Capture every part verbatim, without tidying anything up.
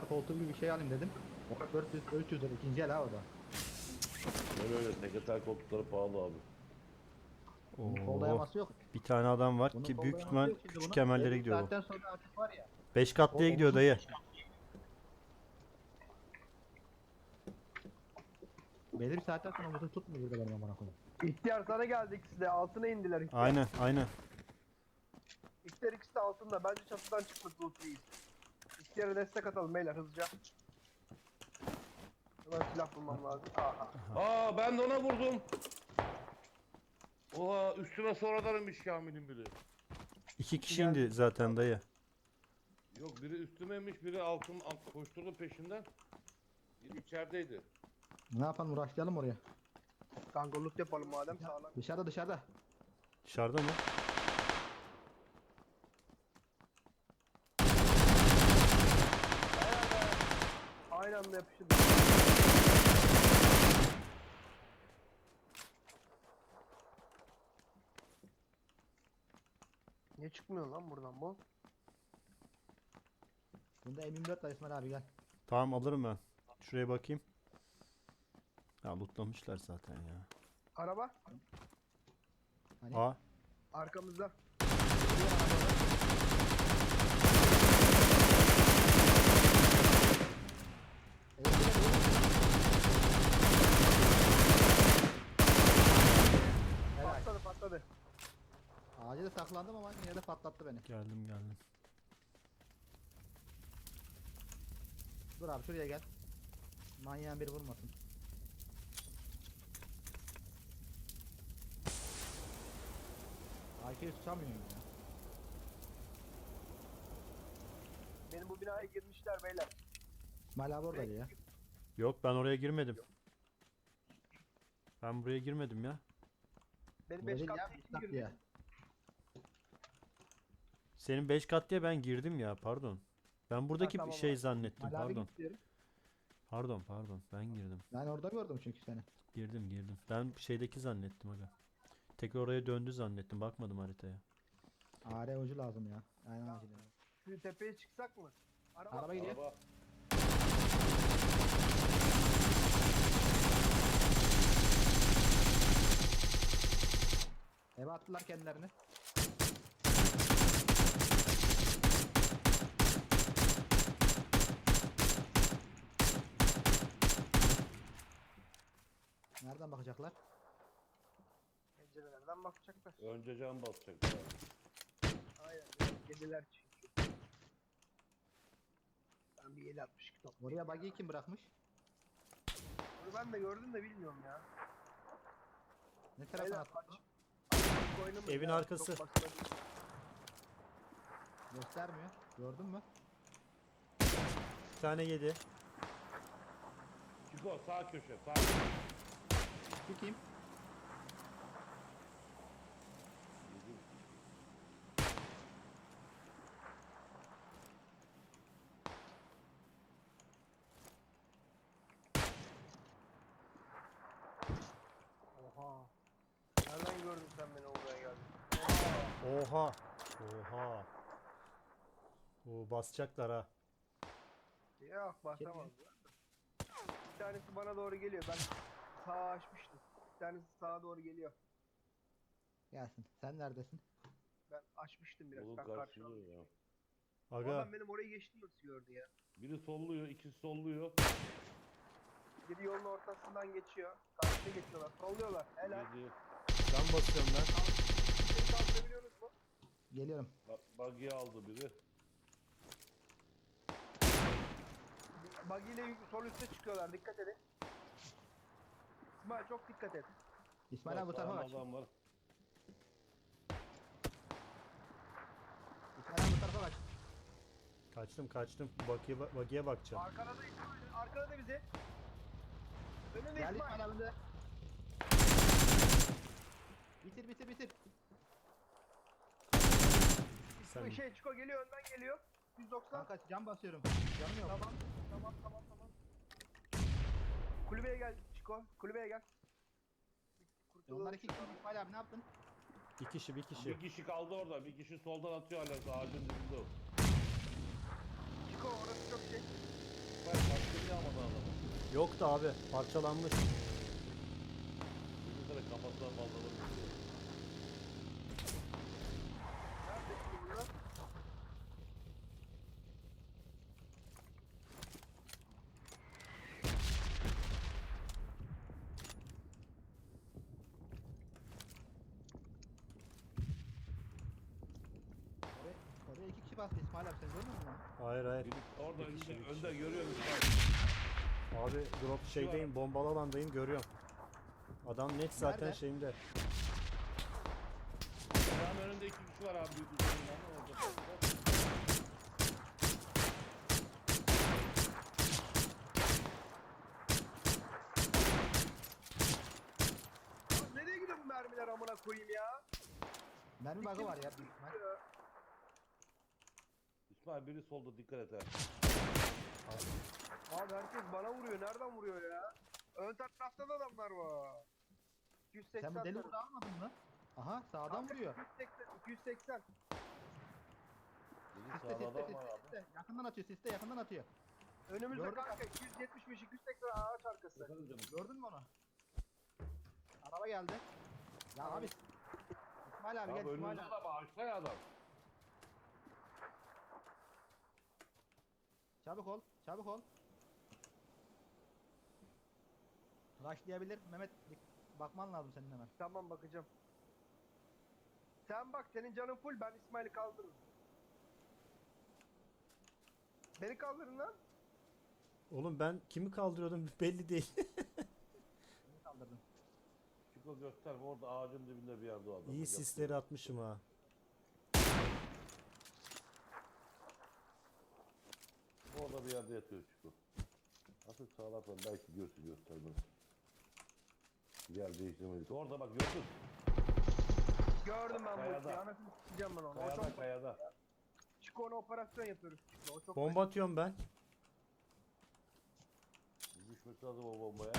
tekrar koltuğu gibi bir şey alayım dedim. dört yüz üç yüz lira ikinci el ha o da. Öyle öyle sekreter koltukları pahalı abi. Bunun kol Oo. dayaması yok. Bir tane adam var Bunun ki kol büyük dayaması ihtimal yok şimdi küçük bunun. kemerlere Belli bir gidiyor bu. saatten sonra artık var ya. beş O katlıya gidiyor omuzun dayı. belli bir saatten sonra omuzun tutmuyor burada benim amına koyayım. İhtiyar sana geldi ikisi de altına indiler ihtiyar. Aynen aynen. İhtiyar ikisi de altında bence çatıdan çıkmak loot değil. İhtiyara destek atalım beyler hızlıca. Hemen silah bulmam lazım. Aha. Aa ben de ona vurdum. Oha üstüme sonradan inmiş Kamil'in biri. İki kişi indi zaten dayı. Yok biri üstüme inmiş biri altın alt, koşturdu peşinden. Biri içerideydi. Ne yapalım uğraşlayalım oraya. Kanka loot yapalım madem sağlam. Dışarıda dışarıda. Dışarıda mı? Aynı anda yapışın. Niye çıkmıyor lan buradan bu? Bunda M yirmi dört var İsmail abi gel. Tamam alırım ben. Şuraya bakayım. Ya lootlamışlar zaten ya. Araba Hani? Aa. arkamızda. Helal. Patladı patladı. Ağaca saklandım ama yine de patlattı beni. Geldim geldim. Dur abi şuraya gel. Manyağın biri vurmasın. A K'yi tutamıyorum ya. Benim bu binaya girmişler beyler. İsmail abi oradaydı ya. Yok ben oraya girmedim. Ben buraya girmedim ya. Benim Buraya beş değil ya. katlı iki ıslak girdi. diye. Senin beş kat diye ben girdim ya pardon. Ben buradaki Ha, bir tamam şey abi. zannettim İsmail abi pardon. git diyorum. Pardon pardon ben girdim. Ben orada gördüm çünkü seni. Girdim girdim. Ben şeydeki zannettim aga. Tekrar oraya döndü zannettim. Bakmadım haritaya. A R ucu lazım ya. Aynen acil. ya. Şu tepeye çıksak mı? Araba. Araba gidiyor. Araba. Eve attılar kendilerini. Nereden bakacaklar? Pencerelerden bakacaklar. Önce can basacak. Aynen. Geceler çünkü. Ben bir yedi altmış iki top. Oraya buggy'yi kim bırakmış? Bunu ben de gördüm de bilmiyorum ya. Ne tarafa Beyler, attı? aç. Açık oynamayın Evin ya, arkası. çok basma değil. Göstermiyor. Gördün mü? Bir tane yedi. Çiko sağ köşe sağ köşe. Şu kim? Oha. Nereden gördün sen beni oraya geldin? Oha. Oha. Oo, basacaklar ha. Yok basamaz. Bir tanesi bana doğru geliyor. Ben sağa açmıştım. Bir tanesi sağa doğru geliyor. Gelsin. Sen neredesin? Ben açmıştım biraz. Yolun Ben karşılıyor karşıladım. ya. Aga. Adam benim orayı geçti nasıl gördü ya? Biri solluyor, ikisi solluyor. Biri yolun ortasından geçiyor. Karşıya geçiyorlar. Solluyorlar. Helal. Yedi. Can basıyorum ben. Seni kaldırabiliyorsunuz mu? Geliyorum. Bak buggy'i aldı biri. Buggy ile yük- sol üste çıkıyorlar. Dikkat edin. İsmail çok dikkat et. İsmail abi bu tarafa Sağında kaç. adam var. İsmail abi bu tarafa kaç. Kaçtım kaçtım. Bagiye, bagiye bakacağım. Arkada da İsmail. Arkada da bizi. Önünde Geldi İsmail. İsmail abi de. Bitir bitir bitir. Sen Bir şey Çiko geliyor önden geliyor. yüz doksan. Kanka cam basıyorum. Canım yok. Tamam. Tamam tamam tamam. Kulübeye gel Çiko. Kulübeye gel. Kurtulalım Onlar iki kişi. şuradan. İsmail abi ne yaptın? bir kişi bir kişi. Bir kişi kaldı orada. Bir kişi soldan atıyor hala ağacın dibinde o. Çiko orası çok şey. Yok da abi parçalanmış. Bir kere kafasına fazla vurmuş. Nerede şimdi bunlar? Oraya, oraya iki kişi bastı İsmail abi, sen görmüyor musun? Hayır hayır. Biri orada Bir kişi, önde, bir kişi. önde görüyor musun? Abi drop şeydeyim, bombalı alandayım, görüyorum. Adam net zaten Nerede? şeyimde. Ayağın önünde iki kişi var abi. Büyük üzerinden orada. Lan nereye gidiyor bu mermiler amına koyayım ya? Mermi bug'ı var ya. büyük ihtimal. İsmail biri solda, dikkat et ha. Abi herkes bana vuruyor. Nereden vuruyor ya? Ön tarafta da adamlar var. iki yüz seksen Sen bu deli tarafı. burada almadın mı? Aha sağdan Kanka, vuruyor. iki yüz seksen, iki yüz seksen. Biri Siste sağda siste adam siste var abi. siste. Yakından atıyor, siste yakından atıyor. Önümüzde Gördüm. kanka iki yüz yetmiş beş, iki yüz seksen ağaç arkası. Efendim canım. Gördün mü onu? Araba geldi. Ya Tamam. abi. İsmail abi Abi gel İsmail önünde abi. adam, ağaçta ya adam. Çabuk ol, çabuk ol. Rushlayabilir. Mehmet dik- bakman lazım senin hemen. Tamam bakacağım. Sen bak senin canın full, ben İsmail'i kaldırırım. Beni kaldırın lan. Oğlum ben kimi kaldırıyordum belli değil. Seni kaldırdım. Çiko gösterme, orada ağacın dibinde bir yerde o adam. İyi sisleri atmışım ha. Orada bir yerde yatıyor Çiko. Artık sağlarsan belki görsün, göstermez. Yer değiştirmedik. Orada bak, gördün. Gördüm ben bu Kayada. işi. Anasını sikeceğim ben onu. O Kayada, çok... kayada. Çık ona operasyon yapıyoruz. Çık o çok... Bomba atıyorum ben. Düşmesi lazım o bombaya.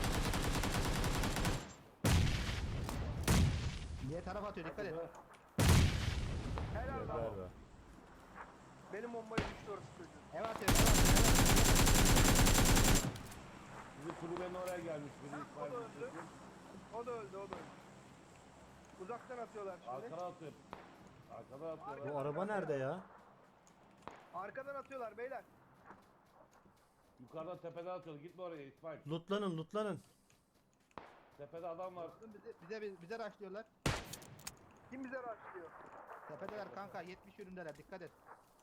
Niye taraf atıyor, dikkat et. Helal Geber lan. be. Benim bombayı düştü orası çocuğun. Ev atıyor, ev atıyor. Bizim kulübenin oraya gelmiş biri Ha, İsmail. o da öldü. O da öldü, o da öldü. Uzaktan atıyorlar şimdi. Arkana atıyor. Arkada atıyor. Bu araba nerede ya? Arkadan atıyorlar beyler. Yukarıdan tepeden atıyor. Gitme oraya İsmail. Lootlanın lootlanın. Tepede adam var. Bize, bize, bize rushlıyorlar. Kim bize rushlıyor? Tepedeler kanka, yetmiş yönündeler, dikkat et.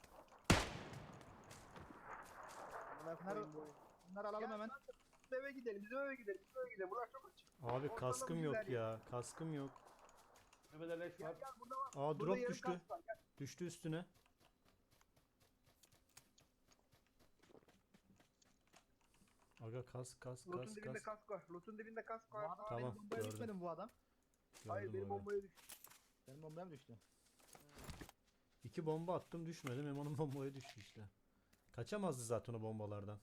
Amına koyayım bu oyunu. Bunları alalım Gel hemen. kanka, Bizim eve gidelim, bizim eve gidelim, bizim eve gidelim. Burası çok açık. Abi Ortadan kaskım bizler yok ya. Kaskım yok. Tepede leş var. Gel gel burada var. Aa Burada drop yarım düştü. kask var, gel. Düştü üstüne. Aga kask kask Loot'un kask dibinde kask. kask var. Loot'un dibinde kask Bu var. adam Tamam, benim bombaya gördüm. düşmedi mi bu adam? Hayır Gördüm benim orayı. bombaya düştü. Benim bombaya mı düştü? İki bomba attım düşmedi. Memo'nun bombaya düştü işte. Kaçamazdı zaten o bombalardan.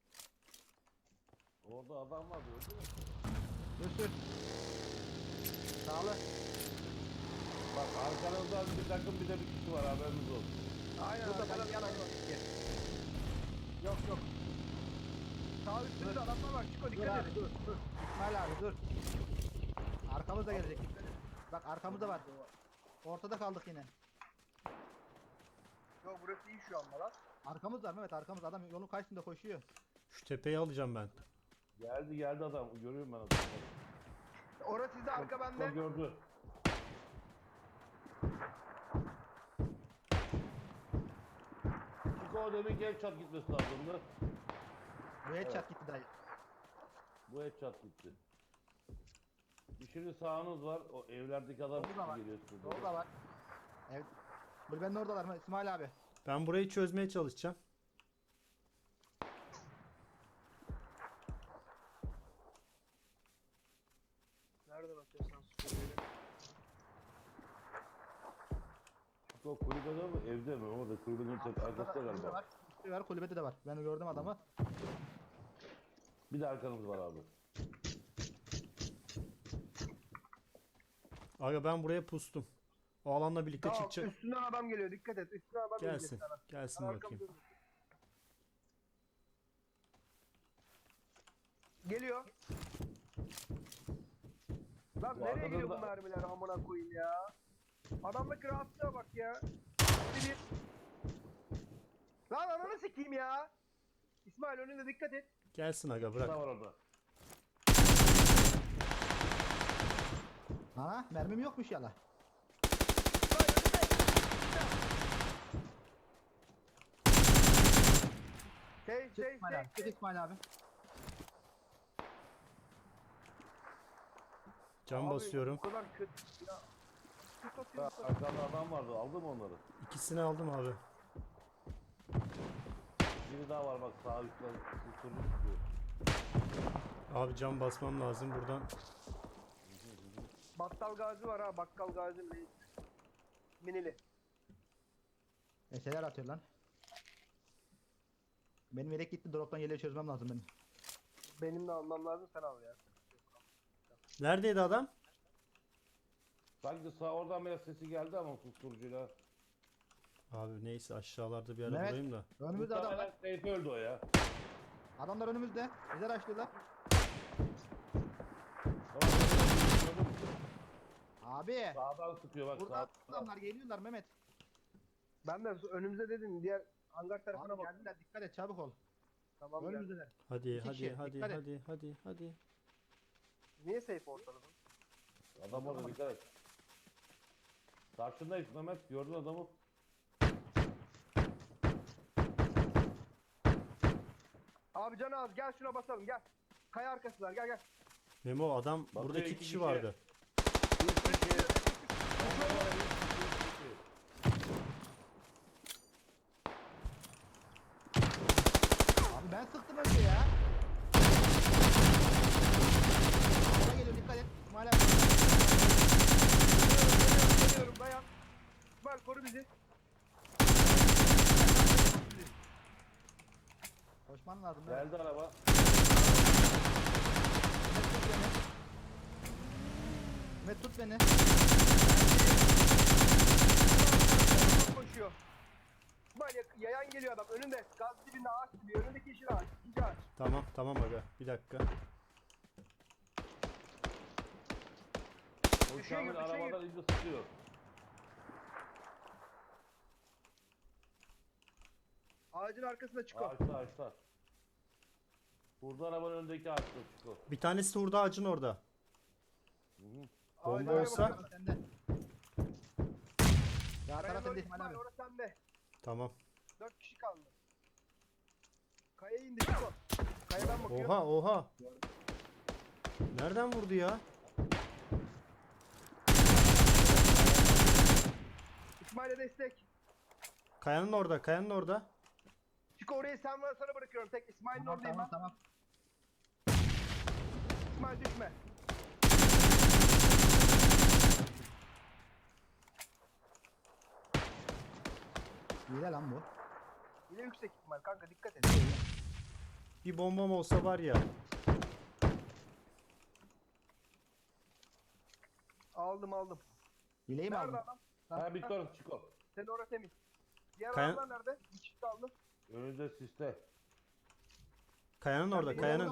Orada adam var diyor değil mi? Sür sür. Sağlı. Bak arkanızdan bir takım bir de bir kişi var, haberiniz olsun. Aynen Burada arkadan bak yalan var. yok. Yok yok. Sağ üstümüzde adamlar var. Çıko Dur dikkat abi edin. dur dur. İsmail abi dur. Arkamız da gelecek, dikkat et. Bak arkamızda var. Ortada kaldık yine. Yok burası iyi şu anda lan. Arkamız var Mehmet, arkamız. Adam yolun karşısında koşuyor. Şu tepeyi alacağım ben. Geldi geldi adam. Görüyorum ben adamı. Orası sizde, arka Bak, bende. gördü. Çünkü o demin headshot gitmesi lazımdı. Bu headshot Evet. gitti dayı. Bu headshot gitti. Bir şimdi sağınız var. O evlerdeki adam Solda da var. geliyor size. Orada var. Evet. Kulübenin oradalar mı İsmail abi? Ben burayı çözmeye çalışacağım. Nereden atıyorsan süpürgeyle. Çünkü o kulübede mi evde mi? Orada kulübenin tek arkasında Kulübede galiba. var. Üstü var, kulübede de var. Ben gördüm adamı. Bir de arkanız var abi. Aga ben buraya pustum. O alanla birlikte Tamam çıkacak. üstünden adam geliyor, dikkat et. Üstünden adam Gelsin. gelecek sana. Gelsin Arkamda bakayım. dur. Geliyor. Lan Bu nereye arkadan gidiyor da- bu mermiler amına koyayım ya. Adamdaki rahatlığa bak ya. Bir bir. Lan ananı sikeyim ya. İsmail önünde dikkat et. Gelsin aga Bu bırak. da var orada. Ha mermim yokmuş yala. İsmail önünde. Şey Çık şey İsmail abi. şey. Çık İsmail abi. Can Abi, basıyorum. Bu kadar kötü ya. Kötü Ha, atıyorsun. Arkamda adam vardı. Aldım onları. İkisini aldım abi. Biri daha var bak sağ üstten. Kusurlu tutuyor. Abi can basmam lazım buradan. Battal Gazi var ha. Bakkal Gazi mi? Minili. Eseler atıyor lan. Benim yelek gitti. Drop'tan yeleği çözmem lazım benim. Benim de almam lazım sen al ya. Neredeydi adam? Sanki sağ oradan biraz sesi geldi ama susturucuyla. Abi neyse aşağılarda bir ara Mehmet. bulayım da. Önümüzde adam var. Muhtemelen Seyfi öldü o ya. Adamlar önümüzde. Bize açtılar. Tamam, gördün mü? Abi. Sağdan sıkıyor bak Burada sağdan. adamlar geliyorlar Mehmet. Ben de önümüze dedim diğer hangar tarafına Abi bak. geldiler. Dikkat et çabuk ol. Tamam geldi. Önümüzdeler. Hadi İki hadi kişi, hadi dikkat et. hadi hadi hadi. Niye safe ortada? Adam orada dikkat et. Karşındayız Mehmet. Gördün adamı. Abi can az gel şuna basalım gel. Kaya arkasılar gel gel. Memo adam Bak, burada iki iki kişi kişi. vardı. Üç kişi. Onlara üç kişi, üç kişi. Abi ben sıktım önce ya. Bana geliyor dikkat et. İsmail abi. Geliyorum geliyorum dayan. İsmail koru bizi. Koşman lazım. Mehmet. Geldi araba. Mehmet tut beni. Koşuyor. İsmail yak- yayan geliyor adam önünde. Gaz dibinde ağaç gibi önündeki yeşil ağaç. İkinci ağaç. Tamam tamam aga. Bir dakika. O Düşüyor, Şamil düşüyor. arabadan iyice sıkıyor. Ağacın arkasında çıkıyor. Ağaçta ağaçta. Burada arabanın önündeki ağaçta çıkıyor. Bir tanesi de hurda ağacın orada. Hı hı. Bomba Ağacın olsa- arkasında. Sende. Ya Kaya taraf doğru sende İsmail İsmail abi. orası sende. Tamam. Dört kişi kaldı. Kaya indi Çiko. Kayadan bakıyor. Oha oha. Nereden vurdu ya? İsmail'e destek. Kayanın orada, kayanın orada. Çiko orayı sen bana sana bırakıyorum. Tek İsmail'in Tamam oradayım tamam ben. tamam. İsmail düşme. Hile lan bu. Yine yüksek ihtimal kanka dikkat et. Bir bombam olsa var ya. Aldım aldım. Hileyi mi aldın? Nerede adam? Ha bitti orası çıkıyor. Senin orası temiz. Diğer Kaya- adamlar nerede? Bir çift kaldı. Önünde siste. Kayanın orada, kayanın.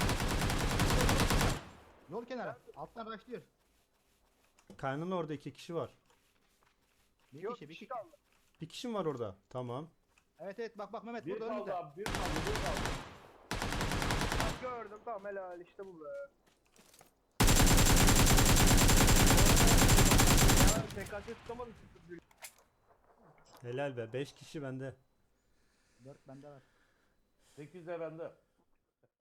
Yol kenarı. Alttan başlıyor. Kayanın orada iki kişi var. Bir Yok kişi bir kişi. kaldı. Bir kişi mi var orada? Tamam. Evet evet bak bak Mehmet Bir burada kaldı önümüzde. abi. Bir kaldı. Bir kaldı. Bak gördüm tamam helal işte bu be. Ya T K S tutamadım. Helal be. Beş kişi bende. Dört bende var. Sekiz de bende.